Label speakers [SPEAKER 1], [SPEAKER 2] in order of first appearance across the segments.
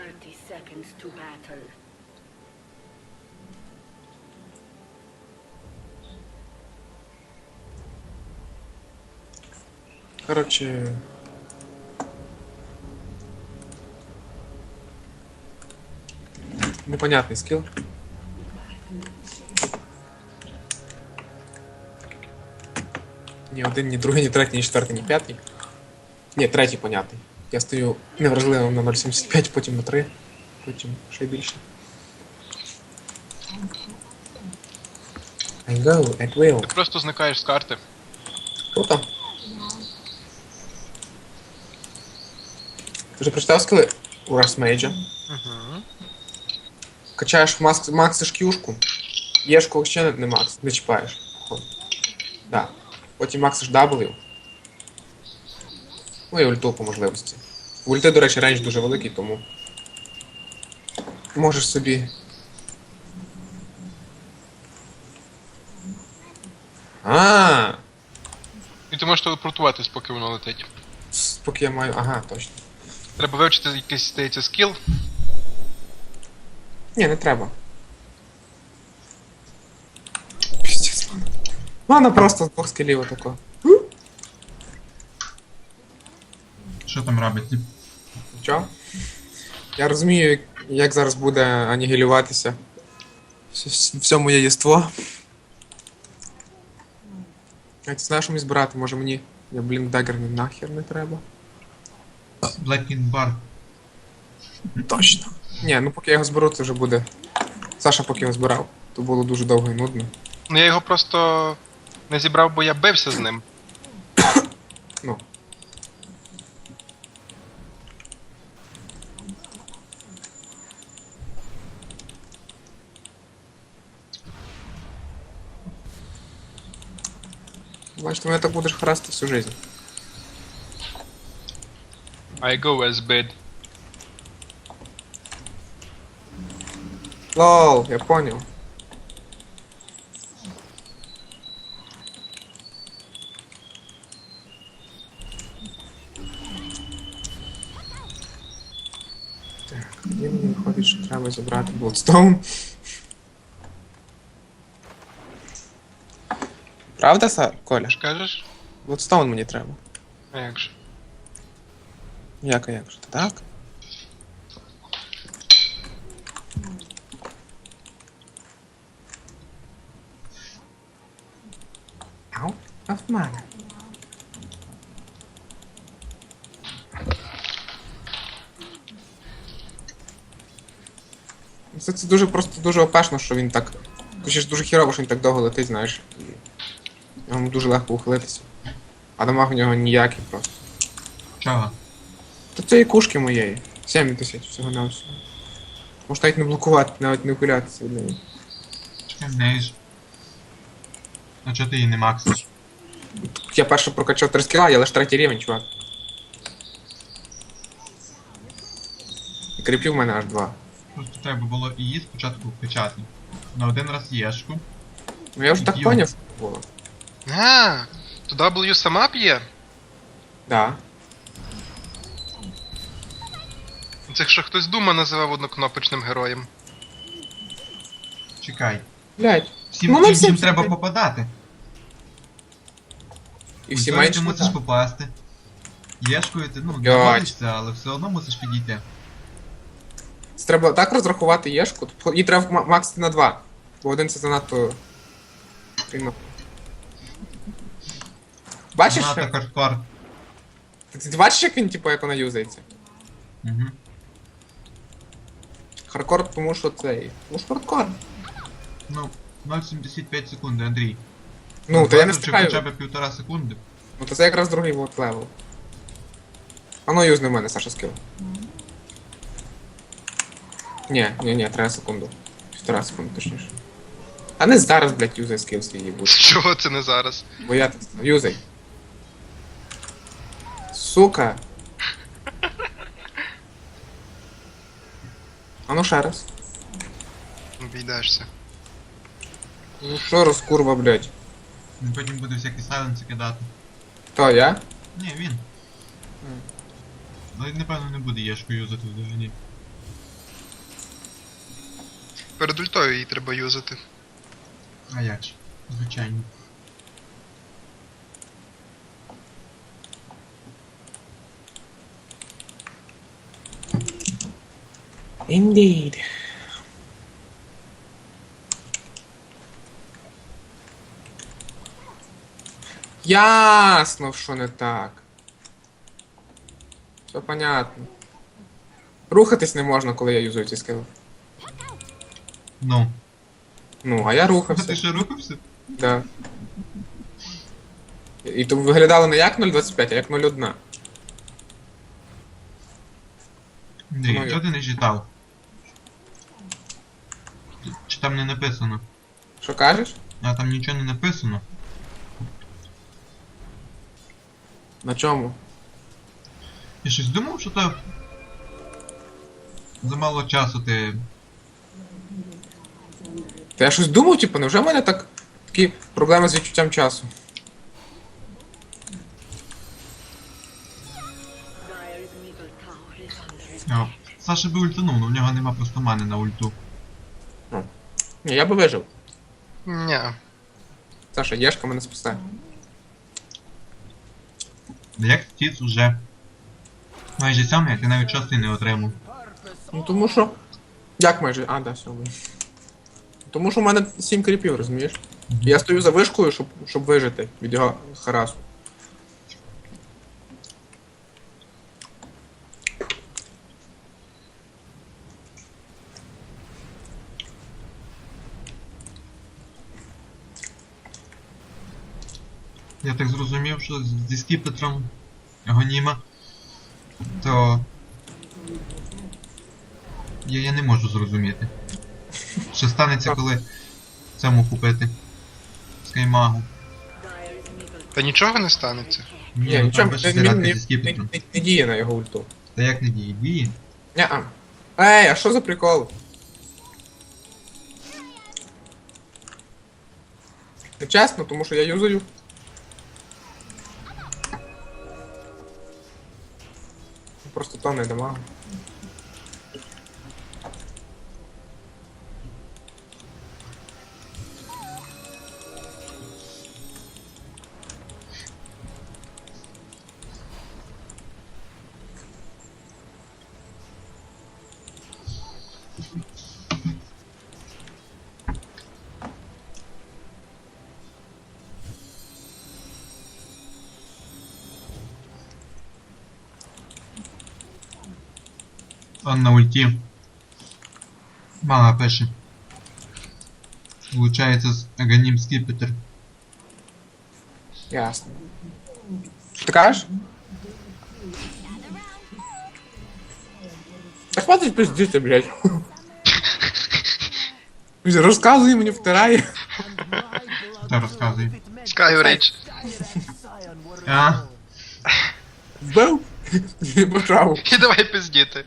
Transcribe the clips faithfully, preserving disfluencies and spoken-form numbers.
[SPEAKER 1] thirty seconds to battle.
[SPEAKER 2] Короче... Непонятний скіл. Ні один, ні другий, ні третій, ні четвертий, ні п'ятий. Ні, третій понятний. Я стою невразливим на нуль сімдесят п'ять, потім на три, потім ще й більше. I go at will.
[SPEAKER 3] Ти просто зникаєш з карти.
[SPEAKER 2] Круто. Ти вже прочитав скіли у Расмейджа?
[SPEAKER 3] Угу.
[SPEAKER 2] Качаєш макс, максиш кюшку, єшку ще не, не макс, не чіпаєш. Да. Потім максиш W. Ну і ульту по можливості. У ульти, до речі, рейндж дуже великий, тому можеш собі. А,
[SPEAKER 3] І ти можеш телепортуватись, поки воно летить.
[SPEAKER 2] поки я маю. Ага, точно.
[SPEAKER 3] Треба вивчити якийсь, здається, скіл.
[SPEAKER 2] Ні, не треба. Піздець, мана. Мана просто з двох скілів отако.
[SPEAKER 4] Що там робить? тип?
[SPEAKER 2] Чо? Я розумію, як- як зараз буде анігілюватися вс- все моє єство. Я не знаю, що мені збирати, може мені. Я, блін, дагер не нахер не треба.
[SPEAKER 4] Blacking Bar.
[SPEAKER 2] Точно. Ні, ну поки я його зберу, це вже буде. Саша поки його збирав, то було дуже довго і нудно.
[SPEAKER 3] Ну я його просто не зібрав, бо я бився з ним.
[SPEAKER 2] Ну. Бачиш, ти мене так будеш харасти всю жизнь.
[SPEAKER 3] I go as bid.
[SPEAKER 2] Лол, я понял. Так, тоді мені виходить, що треба забрати Bloodstone. Правда, Сар, Коля?
[SPEAKER 3] Що кажеш?
[SPEAKER 2] Bloodstone мені треба.
[SPEAKER 3] А як же?
[SPEAKER 2] Як, а як же? Так? Out of mana. Це, це дуже просто дуже опешно, що він так. Точніше, дуже хірово, що він так довго летить, знаєш. І йому дуже легко ухилитися. А дамаг у нього ніякий просто.
[SPEAKER 4] Чого?
[SPEAKER 2] Та цієї кушки моєї. сім тисяч всього на всього. Може навіть не блокувати, навіть не ухилятися від неї.
[SPEAKER 4] Чекай, в неї ж. А чого ти її не максиш?
[SPEAKER 2] Я перше прокачав три скіла, я лише третій рівень, чувак. І кріпів в мене аж два.
[SPEAKER 4] Просто треба було її спочатку вкачати. На один раз єшку.
[SPEAKER 2] Ну я вже так
[SPEAKER 4] Ю.
[SPEAKER 2] поняв, що було.
[SPEAKER 3] А, то W сама п'є?
[SPEAKER 2] Да.
[SPEAKER 3] Це ще хтось Дума називав однокнопочним героєм.
[SPEAKER 4] Чекай.
[SPEAKER 2] Блять.
[SPEAKER 4] Всім,
[SPEAKER 2] Ну, ми
[SPEAKER 4] всім,
[SPEAKER 2] всі
[SPEAKER 4] всім треба
[SPEAKER 2] чекай.
[SPEAKER 4] попадати.
[SPEAKER 2] І всі
[SPEAKER 4] Ультою
[SPEAKER 2] менше
[SPEAKER 4] ти мусиш
[SPEAKER 2] вода.
[SPEAKER 4] попасти. Єшкою ти, ну,
[SPEAKER 2] Блядь.
[SPEAKER 4] домовишся, але все одно мусиш підійти.
[SPEAKER 2] Це треба так розрахувати єшку, тобто її треба ма- максити на два. Бо один це занадто. Трудно. Бачиш?
[SPEAKER 4] Занадто хардкор.
[SPEAKER 2] Ти, ти бачиш, як він, типу, як вона юзається?
[SPEAKER 4] Угу.
[SPEAKER 2] Хардкор, тому що цей. Тому що хардкор.
[SPEAKER 4] Ну, нуль сімдесят п'ять секунди, Андрій.
[SPEAKER 2] Ну, то я не
[SPEAKER 4] Чи
[SPEAKER 2] встигаю.
[SPEAKER 4] хоча б півтора секунди.
[SPEAKER 2] Ну то це якраз другий вот левел. А ну юзни в мене, Саша, скил. Ні, ні, ні, треба секунду. Півтора секунди, точніше. А не зараз, блядь, юзай скил свій їбуть.
[SPEAKER 3] Чого це не зараз?
[SPEAKER 2] Бо я так сказав. Юзай. Сука. А ну ще раз.
[SPEAKER 3] Обійдешся.
[SPEAKER 2] Ну що розкурва, блядь.
[SPEAKER 4] Він потім буде всякі сайленси кидати.
[SPEAKER 2] То я?
[SPEAKER 4] Ні, він. Але напевно не буде єшку юзати взагалі.
[SPEAKER 3] Перед ультою її треба юзати.
[SPEAKER 4] А як ж? Звичайно.
[SPEAKER 2] Indeed. Ясно, що не так. Все понятно. Рухатись не можна, коли я юзую ці скили.
[SPEAKER 4] Ну.
[SPEAKER 2] Ну, а я
[SPEAKER 4] А ти
[SPEAKER 2] рухався.
[SPEAKER 4] ще рухався?
[SPEAKER 2] Да. І то виглядало не як нуль двадцять п'ять, а як нуль один.
[SPEAKER 4] Андрій,
[SPEAKER 2] Ну,
[SPEAKER 4] чого ти не читав? Чи там не написано?
[SPEAKER 2] Що кажеш?
[SPEAKER 4] А там нічого не написано.
[SPEAKER 2] На чому?
[SPEAKER 4] Я щось думав, що то замало часу ти.
[SPEAKER 2] Та я щось думав, типу, невже в мене так такі проблеми з відчуттям часу?
[SPEAKER 1] Dire's middle tower is under attack.
[SPEAKER 4] О, Саша би ультанув, але в нього нема просто мани на ульту.
[SPEAKER 2] Ні, я би вижив.
[SPEAKER 3] Ня.
[SPEAKER 2] Саша, Єшка мене спасає.
[SPEAKER 4] Як птіц уже майже сьомий, а ти навіть шостий не отримав.
[SPEAKER 2] Ну тому що. Як майже. А, да, сьомий. Тому що в мене сім кріпів, розумієш? Я стою за вишкою, щоб, щоб вижити від його харасу.
[SPEAKER 4] Я так зрозумів, що з- зі скіпетром Гоніма, то я, я не можу зрозуміти. Що станеться, коли цьому купити? Скаймагу.
[SPEAKER 1] Dire's middle
[SPEAKER 3] Та нічого не станеться.
[SPEAKER 4] Ні,
[SPEAKER 2] Ні,
[SPEAKER 4] ну
[SPEAKER 2] нічого,
[SPEAKER 4] там
[SPEAKER 2] не,
[SPEAKER 4] ще
[SPEAKER 2] не,
[SPEAKER 4] зіграти
[SPEAKER 2] не,
[SPEAKER 4] зі скіпетром.
[SPEAKER 2] не, не діє на його ульту.
[SPEAKER 4] Та як не діє? Діє?
[SPEAKER 2] Ня-а. Ей, а що за прикол? Не чесно, тому що я юзаю. Просто то не дамагу.
[SPEAKER 4] Он на ульті. Мага пише. Влучається з Аганім скіпетр.
[SPEAKER 2] Ясно. Що ти кажеш? Та хватить пиздіти, блядь. Розказує мені, втирає.
[SPEAKER 4] Хто розказує?
[SPEAKER 3] Skyrage.
[SPEAKER 4] А?
[SPEAKER 2] Вбив? Не почав.
[SPEAKER 3] І давай пиздіти.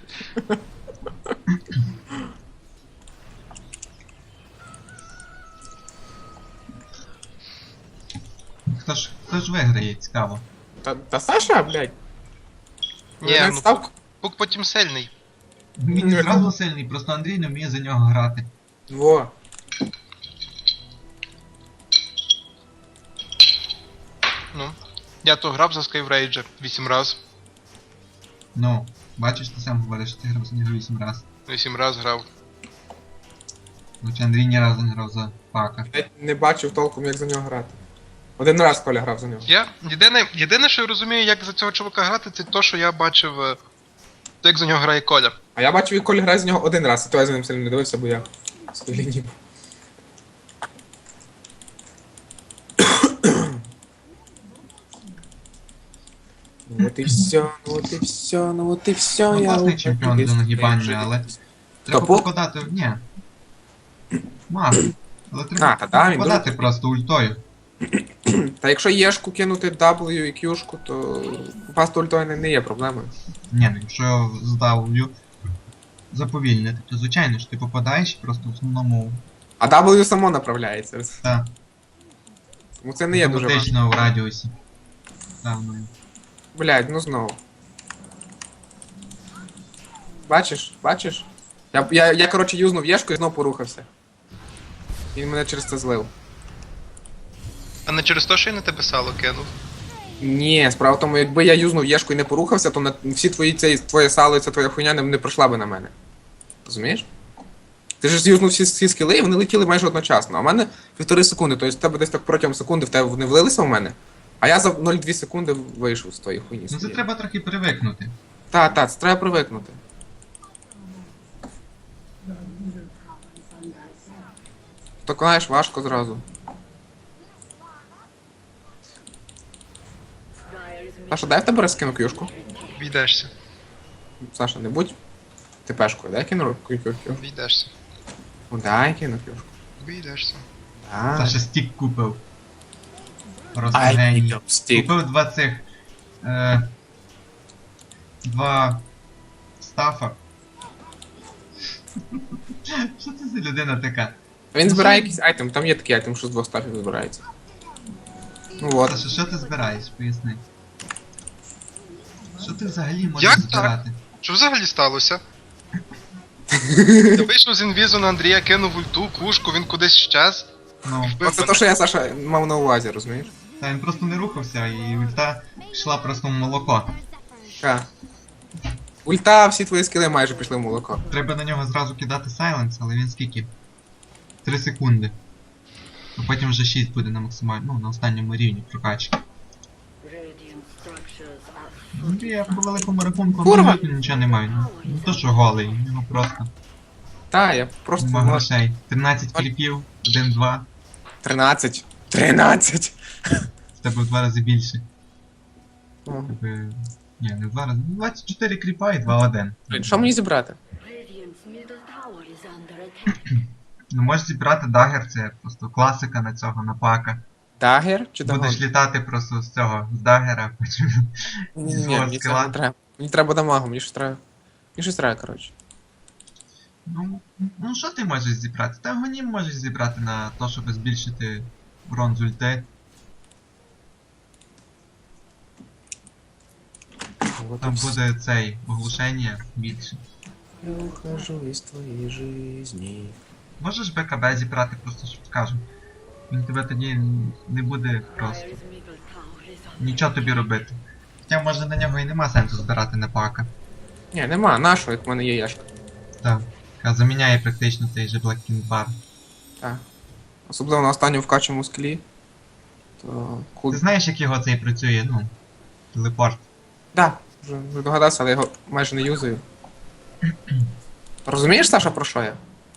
[SPEAKER 4] Хто ж, хто ж виграє, цікаво.
[SPEAKER 2] Та, та Саша, блядь.
[SPEAKER 3] Ні,
[SPEAKER 2] Він
[SPEAKER 3] ну
[SPEAKER 2] став...
[SPEAKER 3] пук, пук потім сильний.
[SPEAKER 4] Він не зразу сильний, просто Андрій не вміє за нього грати.
[SPEAKER 2] Во.
[SPEAKER 3] Ну. Я то грав за Skyrage вісім раз.
[SPEAKER 4] Ну, бачиш, ти сам говориш, що ти грав за нього вісім раз.
[SPEAKER 3] Вісім раз грав.
[SPEAKER 4] Хоча Андрій ні разу не грав за пака.
[SPEAKER 2] Я не бачив толком, як за нього грати. Один раз Коля грав за нього.
[SPEAKER 3] Я єдине, єдине, що я розумію, як за цього чувака грати, це то, що я бачив, е, то як за нього грає Коля.
[SPEAKER 2] А я бачив, як Коля грає за нього один раз, і то я за ним сильно не дивився, бо я в своїй лінії був. Ну от і все, ну от і все, ну от і все,
[SPEAKER 4] Ну,
[SPEAKER 2] я...
[SPEAKER 4] класний
[SPEAKER 2] от
[SPEAKER 4] чемпіон
[SPEAKER 2] і
[SPEAKER 4] за нагибання,
[SPEAKER 2] все.
[SPEAKER 4] але треба
[SPEAKER 2] Топу?
[SPEAKER 4] попадати. Ні. Маг. Але
[SPEAKER 2] А,
[SPEAKER 4] треба
[SPEAKER 2] та да, він
[SPEAKER 4] попадати
[SPEAKER 2] дуже-
[SPEAKER 4] просто ультою.
[SPEAKER 2] Та якщо Єшку кинути W і Q-шку, то пасту ультою не, не є проблемою.
[SPEAKER 4] Ні, ну якщо здавлю заповільнити, то звичайно ж ти попадаєш просто в основному.
[SPEAKER 2] А W само направляється.
[SPEAKER 4] Та,
[SPEAKER 2] Тому це не є дуже важко.
[SPEAKER 4] автоматично в радіусі. Та, ну.
[SPEAKER 2] Блядь, ну знову. Бачиш, бачиш? Я, я, я коротше, юзнув єшку і знов порухався. Він мене через це злив.
[SPEAKER 3] А не через те, що я на тебе сало кинув.
[SPEAKER 2] Ні, справа в тому, якби я юзнув єшку і не порухався, то на всі твої цей, твоє сало і ця твоя хуйня не, не пройшла би на мене. Розумієш? Ти ж юзнув всі, всі скіли, і вони летіли майже одночасно. А в мене півтори секунди, тобто в тебе десь так протягом секунди в тебе вони влилися в мене, а я за нуль цілих дві секунди вийшов з тої хуйні.
[SPEAKER 4] Ну це треба трохи привикнути.
[SPEAKER 2] Так, так, це треба привикнути. Так, знаєш, важко зразу.
[SPEAKER 1] Dire is
[SPEAKER 2] Саша, дай в тебе розкину кюшку.
[SPEAKER 3] Війдешся.
[SPEAKER 2] Саша, не будь тепешкою, дай кину кюшку.
[SPEAKER 3] Війдешся.
[SPEAKER 2] Ну дай кину кюшку.
[SPEAKER 3] Війдешся.
[SPEAKER 2] Дай.
[SPEAKER 4] Саша стік купив.
[SPEAKER 2] Ай,
[SPEAKER 4] Розгені.
[SPEAKER 2] стік.
[SPEAKER 4] Купив два цих. Е, два стафа. Що це за людина така?
[SPEAKER 2] Він збирає якийсь айтем, там є такий айтем, що з двох стафів збирається. Ну от.
[SPEAKER 4] Саша, що ти збираєш? Поясни. Що ти взагалі можеш
[SPEAKER 3] Як так?
[SPEAKER 4] збирати?
[SPEAKER 3] Що взагалі сталося? Я вийшов з інвізу на Андрія, кинув ульту, кушку, він кудись щез.
[SPEAKER 4] Ну,
[SPEAKER 2] Оце те, що я, Саша, мав на увазі, розумієш?
[SPEAKER 4] та він просто не рухався і ульта йшла просто в молоко.
[SPEAKER 2] Так. Ульта, всі твої скіли майже пішли в молоко.
[SPEAKER 4] Треба на нього зразу кидати сайленс, але він скільки? три секунди. А потім вже шість буде на максимальному, ну, на останньому рівні прокачки.
[SPEAKER 1] radiant structures are
[SPEAKER 4] Ну, я по великому рахунку
[SPEAKER 2] Курва!
[SPEAKER 4] абсолютно нічого не маю. Ну, не то що голий, у нього просто
[SPEAKER 2] Та, я просто...
[SPEAKER 4] нема грошей. тринадцять кліпів, один-два,
[SPEAKER 2] тринадцять. тринадцять!
[SPEAKER 4] з тебе в два рази більше.
[SPEAKER 2] О.
[SPEAKER 4] Тебе... Ні, не в два рази. двадцять чотири кліпа і два-один.
[SPEAKER 2] Блін, що мені зібрати?
[SPEAKER 1] Radiant's middle tower is under attack.
[SPEAKER 4] Ну можеш зібрати дагер, це просто класика на цього, на пака.
[SPEAKER 2] Дагер чи дагон?
[SPEAKER 4] Будеш літати просто з цього, з дагера, потім
[SPEAKER 2] Ні,
[SPEAKER 4] зі
[SPEAKER 2] ні,
[SPEAKER 4] свого
[SPEAKER 2] мені це
[SPEAKER 4] скіла.
[SPEAKER 2] не треба. Мені треба дамагу, мені щось треба. Мені щось треба, коротше.
[SPEAKER 4] Ну, ну що ти можеш зібрати? Та гонім можеш зібрати на те, щоб збільшити урон з ульти. Там буде цей оглушення більше.
[SPEAKER 2] Я ухожу із твоєї жизни.
[SPEAKER 4] Можеш БКБ зібрати, просто щоб скажу. Він тебе тоді не буде просто
[SPEAKER 1] Dire's middle tower is under
[SPEAKER 4] нічого тобі робити. Хоча може на нього і нема сенсу збирати на пака.
[SPEAKER 2] Ні, нема, нашого, як в мене є яшка.
[SPEAKER 4] Так. Яка заміняє практично той же Black King Bar.
[SPEAKER 2] Так. Особливо на останньому вкачому склі. То... Кул...
[SPEAKER 4] Ти знаєш, як його цей працює, ну, телепорт?
[SPEAKER 2] Да, вже вже догадався, але я його майже не юзаю. Розумієш, Саша, про що я?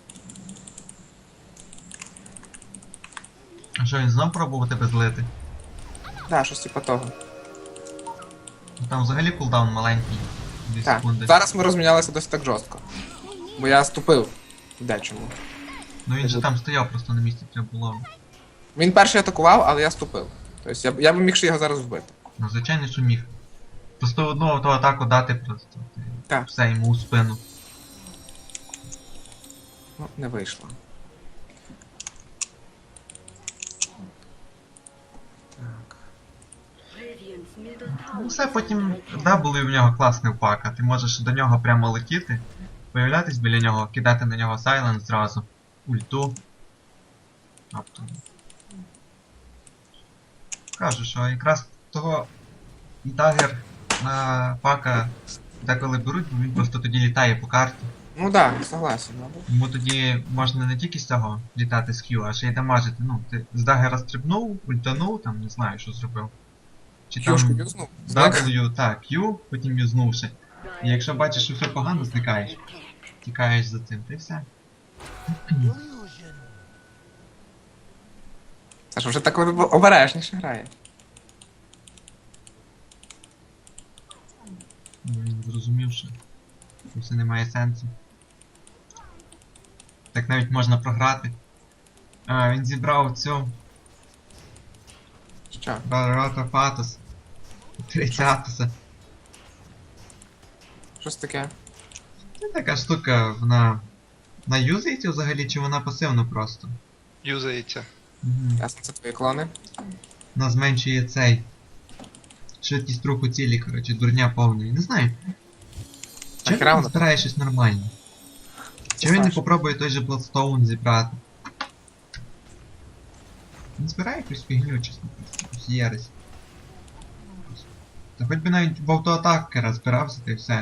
[SPEAKER 4] А що, він знов пробував тебе злити?
[SPEAKER 2] Да, щось типа того.
[SPEAKER 4] Ну, там взагалі кулдаун маленький. Дві
[SPEAKER 2] Так,
[SPEAKER 4] секунди.
[SPEAKER 2] зараз ми розмінялися досить так жорстко. Бо я ступив в дечому.
[SPEAKER 4] Ну він же там стояв просто на місці, треба було.
[SPEAKER 2] Він перший атакував, але я ступив. Тобто я, б- я б міг ще його зараз вбити.
[SPEAKER 4] Ну звичайно, що міг. Просто одну ту атаку дати просто. Ти
[SPEAKER 2] Так.
[SPEAKER 4] все йому у спину.
[SPEAKER 2] Ну, не вийшло. Так.
[SPEAKER 1] Radiant's middle tower
[SPEAKER 4] Ну все,
[SPEAKER 1] is
[SPEAKER 4] потім
[SPEAKER 1] under attack.
[SPEAKER 4] да, були в нього класний пака. Ти можеш до нього прямо летіти, появлятись біля нього, кидати на нього сайленс зразу, ульту. Тобто. Кажу, що якраз того дагер на пака деколи беруть, бо він просто тоді літає по карті.
[SPEAKER 2] Ну да, согласен, мабуть.
[SPEAKER 4] Йому тоді можна не тільки з цього літати з Q, а ще й дамажити. Ну, ти з дагера стрибнув, ультанув, там не знаю, що зробив. Чи
[SPEAKER 2] Кюшку
[SPEAKER 4] там
[SPEAKER 2] юзнув.
[SPEAKER 4] W, так, Q, потім юзнувши. І якщо бачиш, що все погано, зникаєш. Тікаєш за цим, та й все.
[SPEAKER 2] Саша вже так обережніше грає.
[SPEAKER 4] Ну, він зрозумів, що це все не має сенсу. Так навіть можна програти. А, він зібрав цю
[SPEAKER 2] Що?
[SPEAKER 4] Барата Фатус. тридцятуса.
[SPEAKER 2] Щось таке.
[SPEAKER 4] Це така штука, вона. Вона юзається взагалі, чи вона пасивно просто?
[SPEAKER 3] Юзається.
[SPEAKER 4] Угу.
[SPEAKER 2] Ясно, це твої клони.
[SPEAKER 4] Вона зменшує цей. Швидкість руху цілі, коротше, дурня повної. Не знаю.
[SPEAKER 2] Так,
[SPEAKER 4] Чому
[SPEAKER 2] равно.
[SPEAKER 4] не збирає щось нормальне? Чи він не
[SPEAKER 2] страшно.
[SPEAKER 4] попробує той же Bloodstone зібрати? Він збирає якусь фігню, чесно кажучи, якусь єресь. Та хоч би навіть в автоатакера збирався, та й все.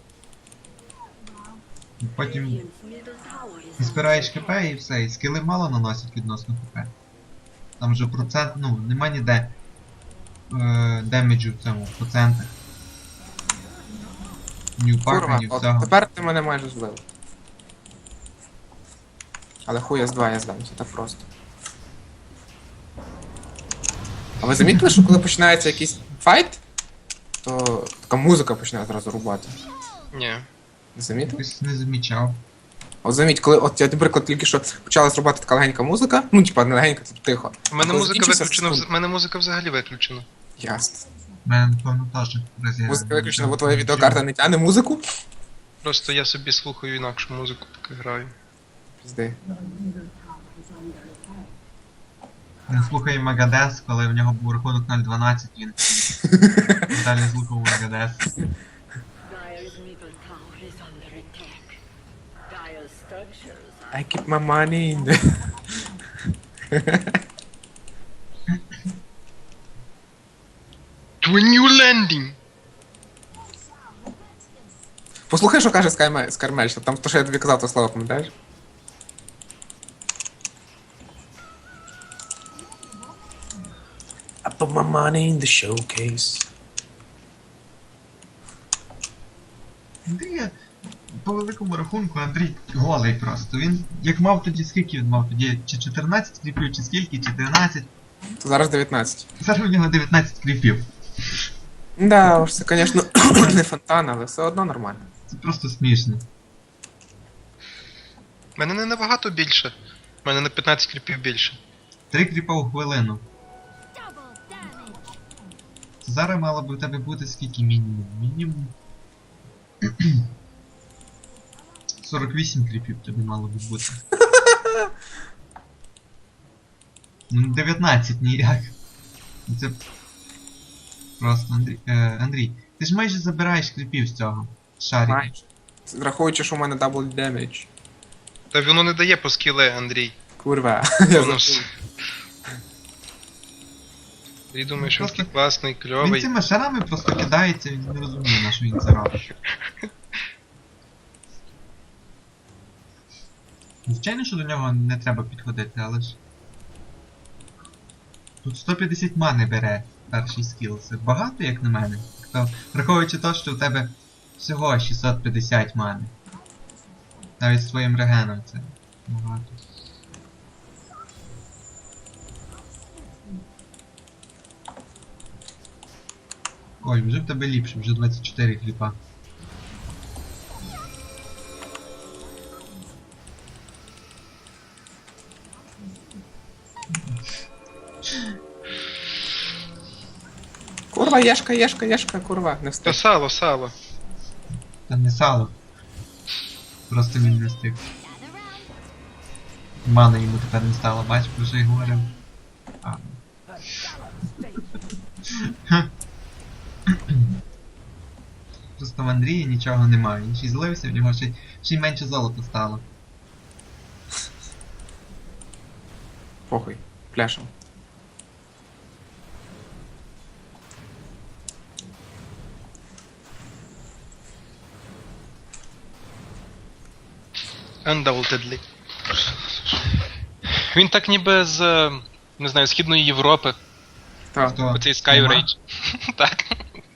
[SPEAKER 4] І потім
[SPEAKER 1] Radiant's middle tower is
[SPEAKER 4] збираєш
[SPEAKER 1] under
[SPEAKER 4] хп
[SPEAKER 1] attack.
[SPEAKER 4] і все, і скіли мало наносять відносно хп. Там вже процент, ну, нема ніде е, демеджу в цьому, в процентах. Ні у пака,
[SPEAKER 2] Курва,
[SPEAKER 4] ні
[SPEAKER 2] от
[SPEAKER 4] всього.
[SPEAKER 2] тепер ти мене майже збив. Але хуя з два я здамся, так просто. А ви замітили, що коли починається якийсь файт, то така музика починає зразу рубати.
[SPEAKER 3] Ні.
[SPEAKER 2] Не замітив?
[SPEAKER 4] Якось не замічав.
[SPEAKER 2] От заміть, коли от я, наприклад, тільки що почала зрубати така легенька музика, ну типа не легенька, типу тихо.
[SPEAKER 3] У мене
[SPEAKER 2] коли
[SPEAKER 3] музика
[SPEAKER 2] закінчиться
[SPEAKER 3] виключена,
[SPEAKER 2] секунду.
[SPEAKER 3] в мене музика взагалі виключена.
[SPEAKER 2] Ясно.
[SPEAKER 4] У мене, напевно, теж розіграно.
[SPEAKER 2] Музика виключена, бо твоя відеокарта не тягне музику?
[SPEAKER 3] Просто я собі слухаю інакшу музику, поки граю.
[SPEAKER 2] Пізди.
[SPEAKER 4] Він слухає Магадес, коли в нього був рахунок нуль дванадцять, він далі слухав Магадес.
[SPEAKER 1] Dire's middle tower is under attack. Dire's structures are
[SPEAKER 2] I keep my money in the...
[SPEAKER 3] To a new landing!
[SPEAKER 2] Послухай, що каже Скайме- Скармель, що там то, що я тобі казав, то слово, пам'ятаєш? I put my money in the showcase.
[SPEAKER 4] Андрій, по великому рахунку, Андрій голий просто. Він, як мав тоді, скільки він мав тоді? Чи чотирнадцять кріпів, чи скільки, чи тринадцять?
[SPEAKER 2] То зараз дев'ятнадцять.
[SPEAKER 4] Зараз у нього дев'ятнадцять кріпів.
[SPEAKER 2] Да, уж це, звісно, не фонтан, але все одно нормально.
[SPEAKER 4] Це просто смішно.
[SPEAKER 3] У мене не набагато більше. У мене на п'ятнадцять кріпів більше.
[SPEAKER 4] Три кріпа у хвилину. Це зараз мало би в тебе бути скільки мінімум? Мінімум. сорок вісім кріпів тобі мало би бути. Ну дев'ятнадцять ніяк. Це просто Андрій. Е, Андрій, ти ж майже забираєш кріпів з цього шарика.
[SPEAKER 2] Майже. Враховуючи, що у мене дабл демедж.
[SPEAKER 3] Та воно не дає по скіле, Андрій.
[SPEAKER 2] Курва. Я
[SPEAKER 3] Воно ж...
[SPEAKER 2] забув.
[SPEAKER 3] Я думаю, що він
[SPEAKER 4] Просто
[SPEAKER 3] такий класний,
[SPEAKER 4] Він
[SPEAKER 3] кльовий.
[SPEAKER 4] цими шарами просто кидається, він не розуміє, на що він це робить. Звичайно, що до нього не треба підходити, але ж. Тут сто п'ятдесят мани бере перший скіл. Це багато, як на мене. То, враховуючи те, що у тебе всього шістсот п'ятдесят мани. Навіть з твоїм регеном це багато. Ой, вже в тебе ліпше, вже двадцять чотири кліпа.
[SPEAKER 2] Курва, єшка, єшка, єшка, курва, не
[SPEAKER 3] Та
[SPEAKER 2] встиг.
[SPEAKER 3] сало, сало.
[SPEAKER 4] Та не сало. Просто він не встиг. Мана йому тепер не стало, бач, про що й говорив. А. Просто в Андрії нічого немає, він ще й злився, в нього ще, ще й менше золота стало.
[SPEAKER 2] Похуй, пляшем.
[SPEAKER 3] Undoubtedly. Він так ніби з, е, не знаю, Східної Європи.
[SPEAKER 2] Так.
[SPEAKER 4] Хто?
[SPEAKER 3] Оцей Sky
[SPEAKER 4] Нема?
[SPEAKER 3] Rage. Так.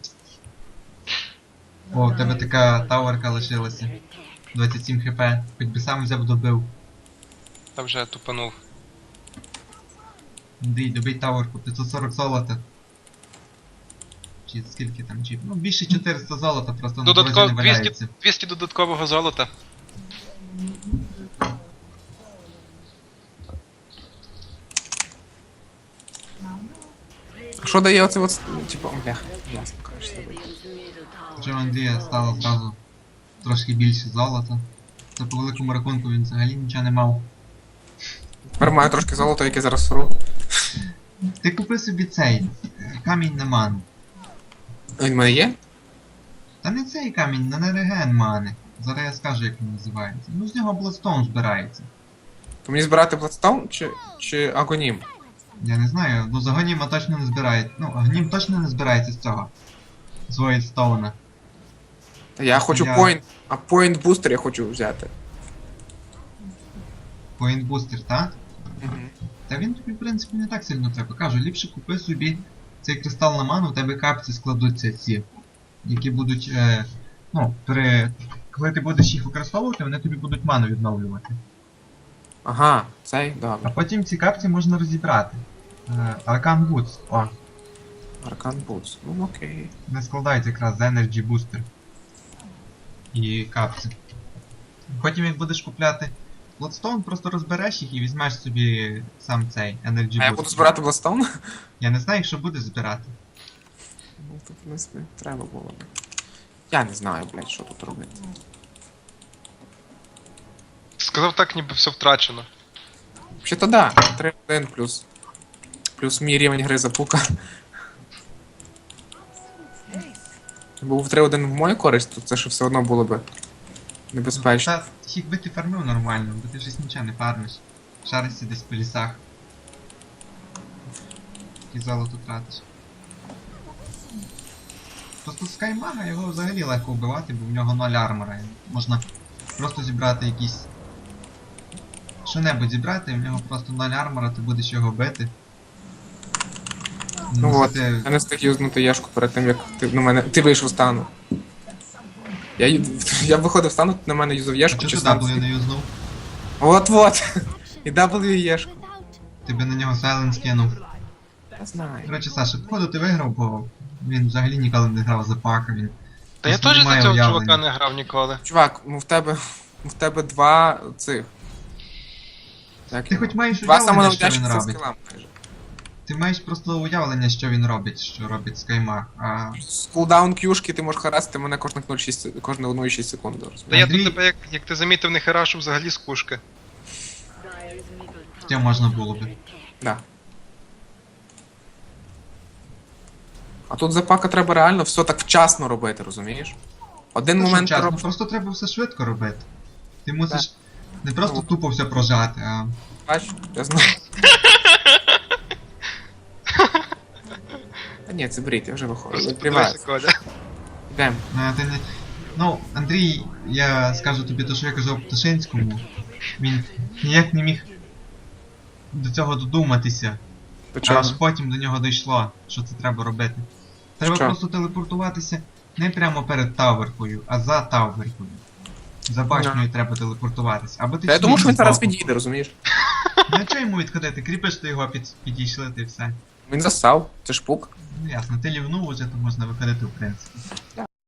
[SPEAKER 4] О, у тебе така таверка лишилася. двадцять сім хп, хоч би сам взяв добив.
[SPEAKER 3] Та вже тупанув.
[SPEAKER 4] Андрій, добий таверку, п'ятсот сорок золота. Чи скільки там чіп? Ну більше чотириста золота, просто на дорозі
[SPEAKER 3] Додатков...
[SPEAKER 4] не
[SPEAKER 3] двісті,
[SPEAKER 4] валяється.
[SPEAKER 3] двісті додаткового золота.
[SPEAKER 2] Що дає оце от, типу, бляха, ясно, кажеш, забив.
[SPEAKER 1] Radiant's middle tower
[SPEAKER 4] Вже у Андрія стало зразу трошки більше золота. Це по великому рахунку він взагалі нічого не мав.
[SPEAKER 2] Тепер маю трошки золота, яке зараз сру.
[SPEAKER 4] Ти купи собі цей е, камінь на ману.
[SPEAKER 2] Він в мене є?
[SPEAKER 4] Та не цей камінь, на нереген мани. Зараз я скажу, як він називається. Ну, з нього Bloodstone збирається.
[SPEAKER 2] То мені збирати Bloodstone чи, чи Агонім?
[SPEAKER 4] Я не знаю, ну з Агоніма точно не збирається. Ну, Агонім точно не збирається з цього. З Voidstone.
[SPEAKER 2] Та я хочу
[SPEAKER 4] Я-
[SPEAKER 2] Point, а Point Booster я хочу взяти.
[SPEAKER 4] Point Booster, так?
[SPEAKER 2] Угу.
[SPEAKER 4] Та він тобі, в принципі, не так сильно треба. Кажу, ліпше купи собі цей кристал на ману, у тебе капці складуться ці, які будуть, е, ну, при... коли ти будеш їх використовувати, вони тобі будуть ману відновлювати.
[SPEAKER 2] Ага, цей,
[SPEAKER 4] А
[SPEAKER 2] добре.
[SPEAKER 4] потім ці капці можна розібрати. Е, Arcan Boots, о,
[SPEAKER 2] Arcan Boots. Ну окей.
[SPEAKER 4] не складається якраз з Energy Booster. І капці. Потім як будеш купляти Bloodstone, просто розбереш їх і візьмеш собі сам цей Energy Booster.
[SPEAKER 2] А я буду збирати Bloodstone?
[SPEAKER 4] Я не знаю, якщо будеш збирати.
[SPEAKER 2] Ну, то, в принципі, треба було б. Я не знаю, блядь, що тут робити.
[SPEAKER 3] Сказав так, ніби все втрачено.
[SPEAKER 2] Чи то да, три один плюс. Плюс мій рівень гри запука. Був три один в мою користь, то це ж все одно було би небезпечно.
[SPEAKER 4] Та, якби ти фармив нормально, бо ти щось нічого не фармиш. Шаришся десь по лісах. І золото тратиш. Просто Скаймага його взагалі легко вбивати, бо в нього ноль армора. Можна просто зібрати якісь... Що-небудь зібрати, і в нього просто ноль армора, ти будеш його бити.
[SPEAKER 2] Ну от,
[SPEAKER 4] Носити-
[SPEAKER 2] я не встиг юзнути Єшку перед тим, як ти на мене. Ти вийшов з стану. Я, ю- я виходив з стану, ти на мене юзав
[SPEAKER 4] А
[SPEAKER 2] Єшку
[SPEAKER 4] чого
[SPEAKER 2] чи
[SPEAKER 4] ти
[SPEAKER 2] сам.
[SPEAKER 4] W не юзнув?
[SPEAKER 2] От-от! І W Єшку.
[SPEAKER 4] Ти би на нього Сайленс кинув.
[SPEAKER 2] Я знаю.
[SPEAKER 4] Коротше, Саша, походу ти виграв, бо він взагалі ніколи не грав за пака, він...
[SPEAKER 3] Та я
[SPEAKER 4] просто
[SPEAKER 3] теж
[SPEAKER 4] не
[SPEAKER 3] за
[SPEAKER 4] має
[SPEAKER 3] цього
[SPEAKER 4] уявлення.
[SPEAKER 3] чувака не грав ніколи.
[SPEAKER 2] Чувак, ну в тебе. В тебе два цих. Як
[SPEAKER 4] Ти
[SPEAKER 2] його?
[SPEAKER 4] хоч маєш
[SPEAKER 2] Два
[SPEAKER 4] уявлення, що
[SPEAKER 2] самонавдячних
[SPEAKER 4] він
[SPEAKER 2] за
[SPEAKER 4] робить.
[SPEAKER 2] скілам майже.
[SPEAKER 4] Ти маєш просто уявлення, що він робить, що робить Скаймаг, а...
[SPEAKER 2] З кулдаун кюшки ти можеш харасити мене кожних нуль шість се- кожне одну і шість секунд. розумієш?
[SPEAKER 3] Та я
[SPEAKER 4] Андрій-
[SPEAKER 3] тут тебе, як, як ти замітив, не херашу взагалі з кушки.
[SPEAKER 1] Dire's middle
[SPEAKER 4] Хоча
[SPEAKER 1] tower
[SPEAKER 4] можна
[SPEAKER 1] is
[SPEAKER 4] було
[SPEAKER 1] under
[SPEAKER 4] би.
[SPEAKER 1] attack.
[SPEAKER 2] Да. А тут за пака треба реально все так вчасно робити, розумієш? Один
[SPEAKER 4] Та що
[SPEAKER 2] момент ти
[SPEAKER 4] вчасно,
[SPEAKER 2] робиш.
[SPEAKER 4] просто треба все швидко робити. Ти мусиш не просто тупо все прожати, а...
[SPEAKER 2] Бач, я знаю. Та ні, це брід, я вже виходжу.
[SPEAKER 3] Просто
[SPEAKER 2] Відкривається.
[SPEAKER 3] подивися, Коля.
[SPEAKER 2] Йдем.
[SPEAKER 4] Ну, ти не... Ну, Андрій, я скажу тобі те, що я казав Пташинському. Він ніяк не міг до цього додуматися.
[SPEAKER 2] До
[SPEAKER 4] А
[SPEAKER 2] чого?
[SPEAKER 4] аж потім до нього дійшло, що це треба робити. Треба
[SPEAKER 2] Що?
[SPEAKER 4] просто телепортуватися не прямо перед таверкою, а за таверкою. За башнею треба телепортуватися. Або ти
[SPEAKER 2] Та я думаю, що він зараз
[SPEAKER 4] збоку.
[SPEAKER 2] підійде, розумієш?
[SPEAKER 4] Ну чого йому відходити? Кріпиш ти його, під... підійшли, ти все.
[SPEAKER 2] Він засав, це ж пук.
[SPEAKER 4] Ну ясно, ти лівнув уже, то можна виходити в принципі.